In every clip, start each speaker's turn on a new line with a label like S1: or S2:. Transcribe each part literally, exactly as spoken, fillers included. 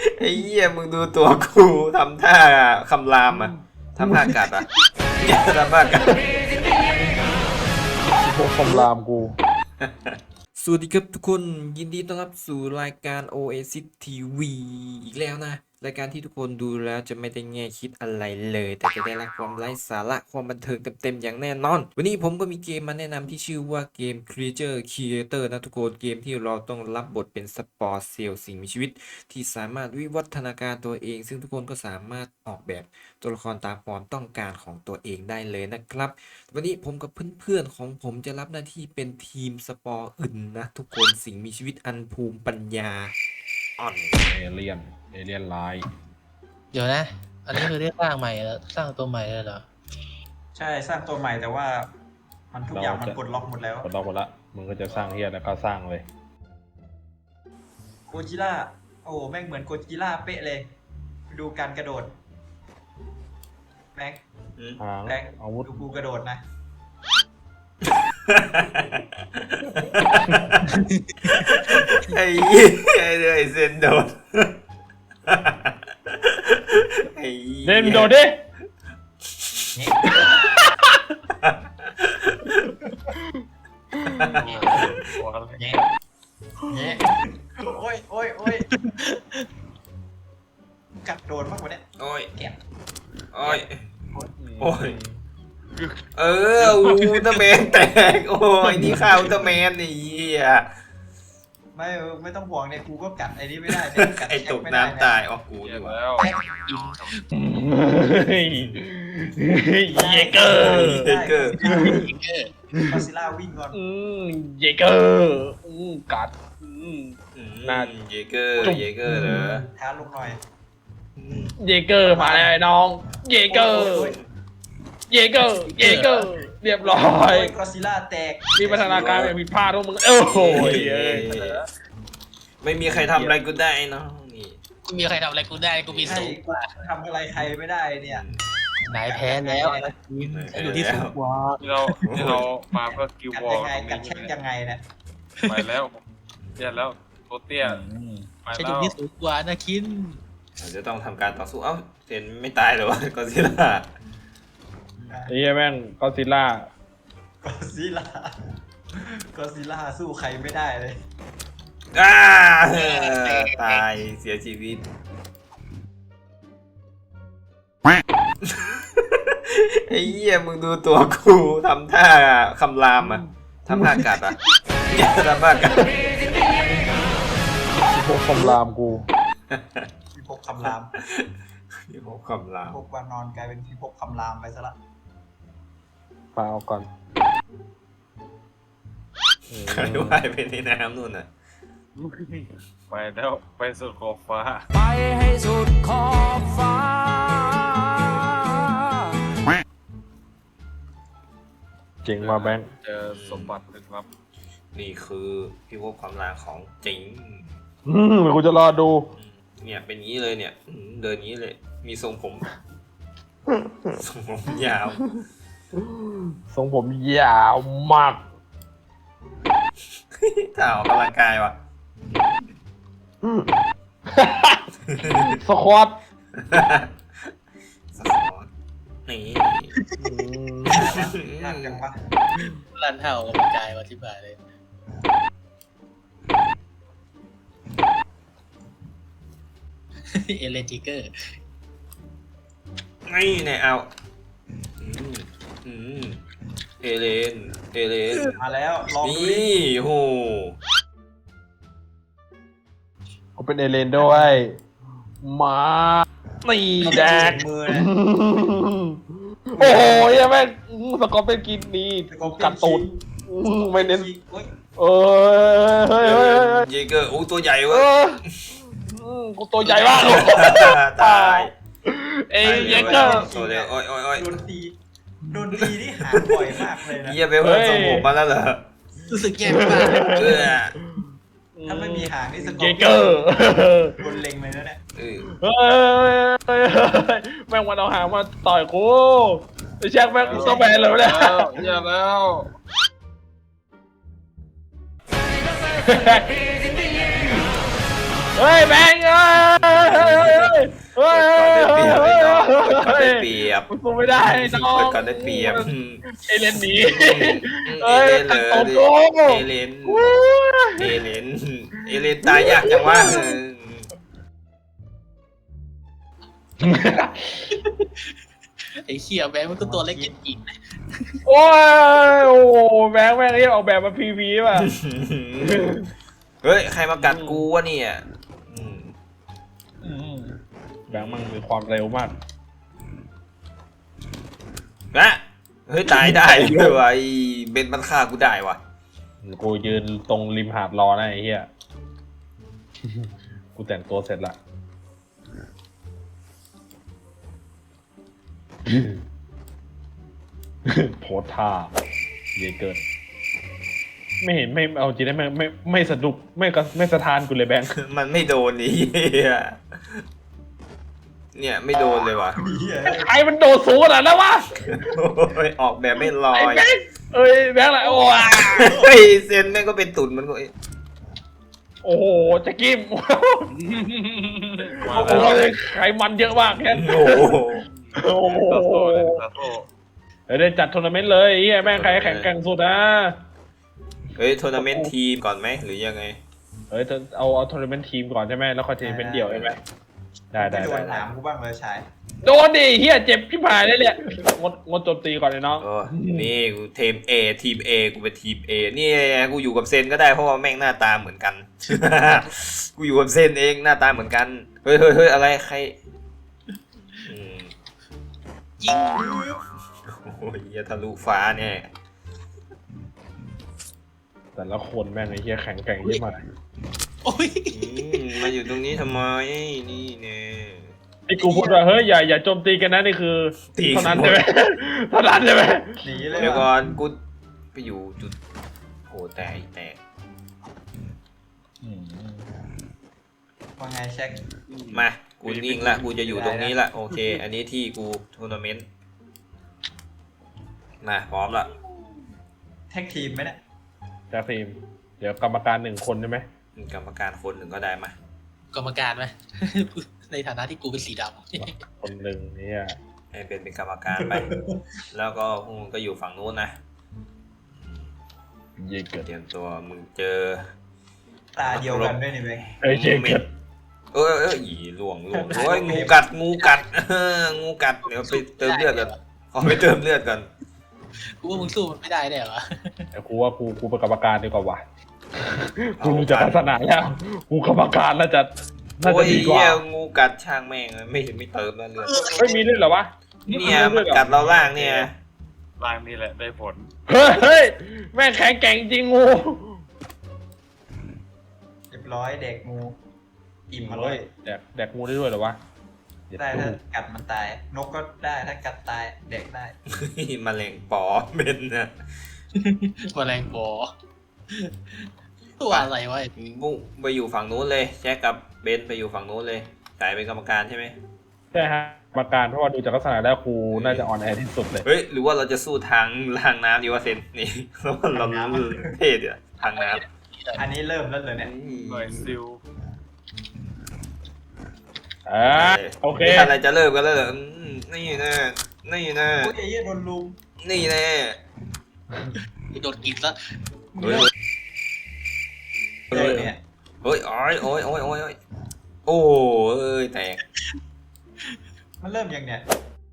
S1: ไอ้เหี้ยมึงดูตัวกูทำท่าคำรามอ่ะทำท่ากัดอ่ะทำท่ากัด
S2: พวกคำรามกู
S1: สวัสดีครับทุกคนยินดีต้อนรับสู่รายการ Oasis ที วี อีกแล้วนะรายการที่ทุกคนดูแล้วจะไม่ได้แง่คิดอะไรเลยแต่จะได้รับความไร้สาระความบันเทิงเต็มๆอย่างแน่นอนวันนี้ผมก็มีเกมมาแนะนำที่ชื่อว่าเกม Creature Creator นะทุกคนเกมที่เราต้องรับบทเป็นสปอร์เซลล์สิ่งมีชีวิตที่สามารถวิวัฒนาการตัวเองซึ่งทุกคนก็สามารถออกแบบตัวละครตามความต้องการของตัวเองได้เลยนะครับวันนี้ผมกับเพื่อนๆของผมจะรับหน้าที่เป็นทีมสปอร์อื่นนะทุกคนสิ่งมีชีวิตอันภูมิปัญญาอ่อน
S2: เอเลียนเอเลียนไลน์
S3: เดี๋ยวนะ อันนี้คือได้สร้างใหม่แล้วสร้างตัวใหม่แล้วเหรอ
S4: ใช่สร้างตัวใหม่แต่ว่ามันทุกอย่างมันปลดล็อกหมดแล้ว
S2: ปลดล็อกหมดละมึงก็จะสร้างเฮียแล้วก็สร้างเลย
S4: โกจิล่าโอ้แม่งเหมือนโกจิล่าเป๊ะเลยดูการกระโดดแม็ก
S2: หาง
S4: แม็ก
S2: อาวุธ
S4: ดูกูกระโดดนะ
S1: ไอ้เหี้ยไอ้เรื่องไอ้เซนโดดไอ้หี้ย
S2: เดนโดดดิ
S4: เนี่ยโอ้ยโอ้ยโอ้ยกัดโดนมากกว่านี้
S1: โอ้ย
S4: แกะ
S1: โอ้ยโอ้ยเอออุลตร้าแมนแตกโอ้ยนี่ข้าวอุลตร้าแมนไอ้เหี้ย
S4: ไม่ไม่ต้องห่วงเนี่ยกูก็กัดไอ้นี่ไม่ได้เนี่ยกัด
S1: ไอ้ตกน้ำตายออกกูดีกว่า
S2: เยเกอร์
S1: เยเกอร์
S4: กอซิล่าวิ่งก่อน
S2: เยเกอร์กัด น่า
S1: เยเกอร์เยเกอร์เหรอ
S4: ท้าลงหน่อย
S2: เยเกอร์มาแล้วไอ้น้องเยเกอร์เยเกอร์เยเกอร์เรียบร้อ
S4: โอ้
S2: ย
S4: ยกอซิล่าแตก
S2: มีพัฒนาการแบบผิดพลาดทุกมึงโอ้โห
S1: ไม่มีใครทำอะไรกูได้เนาะนี่
S3: กูมีใครทำอะไรกูได้กูมี
S4: ใช่
S3: สูงกว่า
S4: ทำอะไรใครไม่ได้เนี่ย
S3: นายแพ้แล้วฉันอยู่ที่สูงกว่า
S5: ที่เราที่เรามาเพื่อกิว
S4: กัด
S5: วอ
S4: ยั
S5: ล
S4: งไง
S5: ตรง
S4: กัด
S5: นี้
S4: แช่งยังไงเนี่ย
S5: ไปแล้วเตี้ยแล้วโตเตี้ยไป
S3: ฉันอ
S5: แล้
S3: ยู่
S5: ว
S3: ที่สูงกว่านะคิน
S1: เราจะต้องทำการต่อสู้เอ้าเซนไม่ตายเหรอวะก็ซิล่า
S2: ไอ้เหี้ยแม่งก็ซิล่าก
S4: อซิล่ากอซิล่าสู้ใครไม่ได้เลย
S1: อ้าตายเสียชีวิตไอ้เหี้ยมึงดูตัวกูทำท่าคำรามอ่ะทำท่ากัดอ่ะทำท่ากัด
S2: พวกคำรามกู
S4: พิภพคำราม
S1: พี่พบคำราม
S4: พิภพวานอนกลายเป็นพิภพคำรามไปซะละ
S2: ปาเอาก่อน
S1: ใครว่ายไปในน้ำนู่นน่ะ
S5: ไปแล้วไปสุดขอบฟ้า
S6: ไปให้สุดขอบฟ้า
S2: เจ๋งมาแบงค์
S5: เจอสมบัติลึกลับ
S1: นี่คือพี่พบคำรามของจริง
S2: อืมเดี๋ยวกูจะรอดู
S1: เนี่ยเป็นงี้เลยเนี่ยอืมเดินงี้เลย มีทรงผม ทรงผมยาว
S2: ทรงผมยาวมาก
S1: ถ้าออกกำลังกายว่ะ
S2: สควอต
S1: สปอร์ตนี่
S4: ยากจังวะ
S3: ลันเท่ากับกระจายมาที่บ่ายเลยเอเลนจิเกอร์
S1: นี่เนี่ยเอาอืมอืมเอเลน เอเลน
S4: มาแล้วลองดูดิ
S1: นี่โห
S2: กูเป็นเอเลนด้วยมานี่แดก
S4: มือนะ
S2: โอ้โหเหี้ยังแม่งสกอร์เป็นกินนี่กัดตูดไม่เน้น
S4: โอ้ย
S2: เออเฮ้ยเฮ้ยเฮ้ย
S1: เยเกอร์โอ้ตัวใหญ่
S2: เอ
S1: เวะ
S2: ออืมกูตัวใหญ่มาก
S1: ตาย
S2: เอ้ยเยเกอร์
S1: ตัวเดียวโอ้ยโอ้ยโอ้ย
S4: โดนตีโดนตีที่หาบ่อยมากเลยนะ
S1: เยี่ยไปเพิ่มทรงผมมาแล้วเหรอ
S3: รู้สึกแย่มาก
S1: เออ
S4: ถ้าไม่มีหางนี่สก
S2: เย
S4: อร์
S2: เกอร์
S4: โดนเล็งเลยนะเนี่ย
S1: เออ
S2: เฮ้ยเฮ้ยเฮ้ยแม่งมันเอาหางมาต่อยกูไอ้แช็คแม่งต้องแบนเลยวะเนี่ย
S5: แล้วอย่าแล้ว
S2: เฮ้ยแบงค์เอ้ยเฮ้ย
S1: เปิดก่อนได้เปรียบไอ้น้องเปิดก่อนได้เปรียบ
S2: มันสู้ไม่ได้น้อง
S1: เปิดก่อนได้เปรียบ
S2: เอเลนหนี
S1: เอเลนเลย
S2: โอ้โห
S1: เอเลนเอเลนเอเลนตายยากจังวะ
S3: ไอ้เขี้ยแบงค์มันก็ตัวเล็กจริง
S2: โอ้ยโอ้โหแบงค์แม่งเรียกออกแบบมาพีวีป่ะ
S1: เฮ้ยใครมากัดกูวะเนี่ยอืม
S2: แบงค์มันมีความเร็วมาก
S1: นะเฮ้ยตายได้ด้วยวะไอ้เบนมันฆ่ากูได้วะ
S2: กูยืนตรงริมหาดรอนะไอ้เหี้ย กูแต่งตัวเสร็จละ โพสท่าเยเกินไม่เห็นไม่เอาจริงได้ไม่ไม่ไม่สะดุกไม่กระไม่สะทานกูเลยแบงค์
S1: มันไม่โดนนี่เนี่ยไม่โดนเลยวะ
S4: เหี้ย
S2: ใครมันโดดสูงขนาดนั้นวะ
S1: โอ้ยออกแบบไม่ลอ
S2: ไอ้
S1: ย
S2: แบงค์เอ้ยแบงค์อะไรโอ้ย
S1: เฮ้ยเซนแม่งก็เป็นตุ่นมันก็
S2: โอ้โหจะกิม
S5: มา
S2: โอ้
S5: แล้ว
S2: โหไขมันเยอะมากแค่
S1: โอ้โห
S2: โอ้โห
S5: ซาโต้เลยซาโต้
S2: เดี๋ยวได้จัดทัวร์นาเมนต์เลยไอ้เหี้ยแม่งใครแข่งแกร่งสุดนะ
S1: เฮ้ยทัวร์นาเมนต์ทีมก่อนไหมหรือยังไง
S2: เอ้ยเอาเอาทัวร์นาเมนต์ทีมก่อนใช่ไหมแล้วค่อยทัวร์นาเมนต์เดี่ยวใช่ไหมได้ได้
S4: ไม่โด
S2: ได้
S4: นหนามกูบ้างเลยชาย
S2: โดนดิเฮียเจ็บพี่ผายเลยเนี่ยงดงดโจมตีก่อนเลยน้อง
S1: โอ้นี่กูทีม A ทีม A กูเป็นทีม A นี่กูอยู่กับเซนก็ได้เพราะว่าแม่งหน้าตาเหมือนกัน กูอยู่กับเซนเองหน้าตาเหมือนกัน เฮ้ยเฮ้ยเฮ้ยอะไรใครอืม
S3: ๆยิง
S1: โอ้ยอย่าทะลุฟ้าเนี่ย
S2: แต่ละคนแม่งไอ้เฮียแข็งแกร่งยิ่งมาก
S3: โอ้ย
S1: อืมมาอยู่ตรงนี้ทำไมนี่เนี่ย
S2: ที่กูพูดว่าเฮ้ยอย่าอย่าโจมตีกันนะนี่คือ
S1: ตี
S2: เท่านั้นใช่ไหมเท่านั้นใช่ไหม
S4: หนีเลย
S1: เดี๋ยว
S4: ว่ะ
S1: ก่อนกูไปอยู่จุดโหแตกแตก
S4: ว่าไงเช็ค
S1: มากูนิ่งละกูจะอยู่ตรงนี้ละโอเค อันนี้ที่กูทัวร์นาเมนต์มาพร้อมละ
S4: แท็กทีมไหมเนี่ย
S2: จ้าฟิล์มเดี๋ยวกรรมการหนึ่งคนใช่ไหม
S1: มีกรรมการคนหนึ่งก็ได้มาก
S3: รรมการไหม ในฐานะที่กูเป็นสีด
S2: คนหนึ่งเนี่ย
S1: ให้เป็นเป็นกรรมการไป แล้วก็พวกมึงก็อยู่ฝั่งนู้นนะ
S2: เยเกิด
S1: เตรียมตัวมึงเจอ
S4: ตาเดียวกันด้วยนี่เว้ย
S2: เอ้ยเยเกิด
S1: เออเอออีหลวงหลวงโอ้ยงูกัดงูกัด เอองูกัดเดี๋ยวไปเติมเลือดก่อนขอไปเติมเลือดก่อน
S3: ำกูว่ามึงสู้มันไม่ได้แน่เหรอ
S2: แต่กูว่ากูกูเป็นกรรมการดีกว่าว่ะกูรู้จักลักษณะแล้วกูกรรมการน่าจะน่า
S1: โอ้
S2: จะ
S1: ย
S2: ดีกว่า
S1: เหี้ยงูกัดช่างแม่งไม่เห็นไม่เติมแล้วเลือด
S2: ไม่มีด้วยเหรอวะ
S1: เนี่ยมันกัดเราล่างเนี่ย
S5: ร่างนี่แหละได้ผล
S2: เฮ้ยเฮ้ยแม่งแข็งแกร่งจริงงู
S4: เรียบร้อยเด็กงูอิ่มมาเล
S2: เฮ้ย
S4: ย
S2: แดกแดกงูได้ด้วยเหรอวะ
S4: ได้ถ้ากัดมันตาย นกก็ได้ถ้ากัดตายเด็กได้
S1: มะเร็งปอเป็นนะ
S3: แมลงปอตัวอะไรวะไอ้มึง
S1: กูไปอยู่ฝั่งนู้นเลยแจ็คกับเบนไปอยู่ฝั่งนู้นเลยกลายเป็นกรรมการใช่ไหม
S2: ใช่ฮะกรรมการเพราะว่าดูจากลักษณะแล้วครูน่าจะออนแอร์ที่สุดเลย
S1: เฮ้ยหรือว่าเราจะสู้ทางล่างน้ำดีวะเซนนี่ แล้วเรารู้เท่เดียวทางน้ำ
S4: อันนี้เริ่มแล้วเลยเนี่ย
S5: หน่วยซิล
S2: อ่าโอเค
S1: นี่อะไรจะเริ่มกันแล้วเหรออืมนี่แน่นี่แน่
S4: โอ้ยไอ้เหี้ยโดนลุม
S1: นี่แน่
S3: กูโดนกินซะ
S1: เฮ้ย
S4: เริ่มเนี่ย
S1: เฮ้ยโอ้ยโอ้ยโอ้ยโอ้ยโอ้ยโอ้เอ้ยแตก
S4: มันเริ่มยังเนี่ย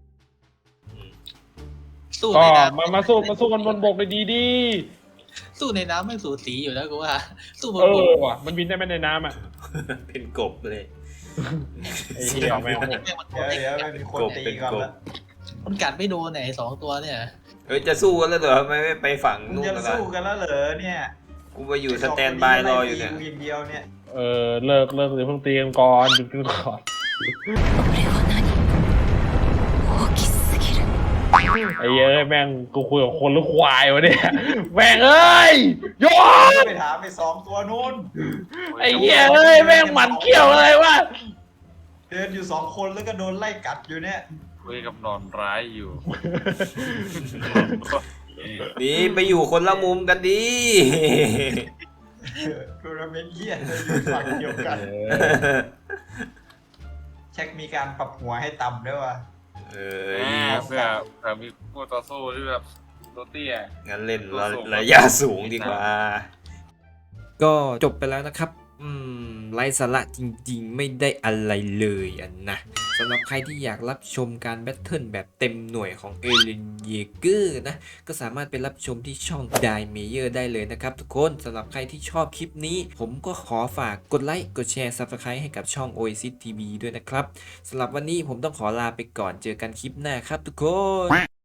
S3: สู้
S2: ก็
S3: ในน้
S2: มามาสู้มาสู้กันบนบกเลยดีดี
S3: ำสู้ในน้ำไม่สูสีอยู่แล้วกูว่า สู้บน
S2: เอบ
S3: ก
S2: อว่ะมันบินได้ไหมในน้ำอ่ะ
S1: เป็นกบเลย
S2: ไอ้เหี้ยแม่ง
S3: แม่งมัน
S4: เดี๋ยวเดี๋ยวมันมีคนตีก่อนแล้ว
S3: มันกัดไม่โดนไหนสองตัวเนี่ย
S1: เฮ้ยจะสู้กันแล้วเหรอทำไมไม่ไปฝั่ง
S4: มึง
S1: นู้น
S4: จะ
S1: กัน
S4: สู้
S1: ล่ะ
S4: กันแล้วเหรอเนี่ย
S1: กูไปอยู่สแตนบายรออยู่เนี่ย
S4: กูอย่างเดียวเนี่ย
S2: เออเลิกเลิกเดี๋ยวเพิ่งตีกันก่อนหยุดกันก่อน ไอ้เอ้ยแม่งกูคุยกับคนหรือควายวะเนี่ยแม่งเอ้ยโยน
S4: ไปถามไปสองตัวนู้น
S2: ไอ้เหี้ยเอ้ยแม่งหมันเขี้ยวอะไรวะ
S4: เดินอยู่สองคนแล้วก็โดนไล่กัดอยู่เนี่ย
S5: คุยกับนอนร้ายอยู่
S1: นี่ไปอยู่คนละมุมกันดี
S4: ทัวร์นาเมนต์เหี้ยเลยอยู่ฝั่งเดียวกัน
S2: เออ
S4: ช็คมีการปรับหัวให้ต่ำด้วยว่ะ
S1: เอ
S5: เอ
S1: อ
S5: อเพื่อเผื่อมีคู่ต่อสู้ที่แบบตัวเตี้ย
S1: งั้นเล่นระ
S5: สูง
S1: ระยะสูงดีกว่า ก็จบไปแล้วนะครับ อืมไร้สาระจริงๆ ไม่ได้อะไรเลยอันนะสำหรับใครที่อยากรับชมการแบทเทิลแบบเต็มหน่วยของเอเลนเยเกอร์นะ ก็สามารถไปรับชมที่ช่อง Die Mayer ได้เลยนะครับทุกคนสำหรับใครที่ชอบคลิปนี้ ผมก็ขอฝากกดไลค์กดแชร์ Subscribe ให้กับช่อง Oasis ที วี ด้วยนะครับสำหรับวันนี้ผมต้องขอลาไปก่อนเจอกันคลิปหน้าครับทุกคน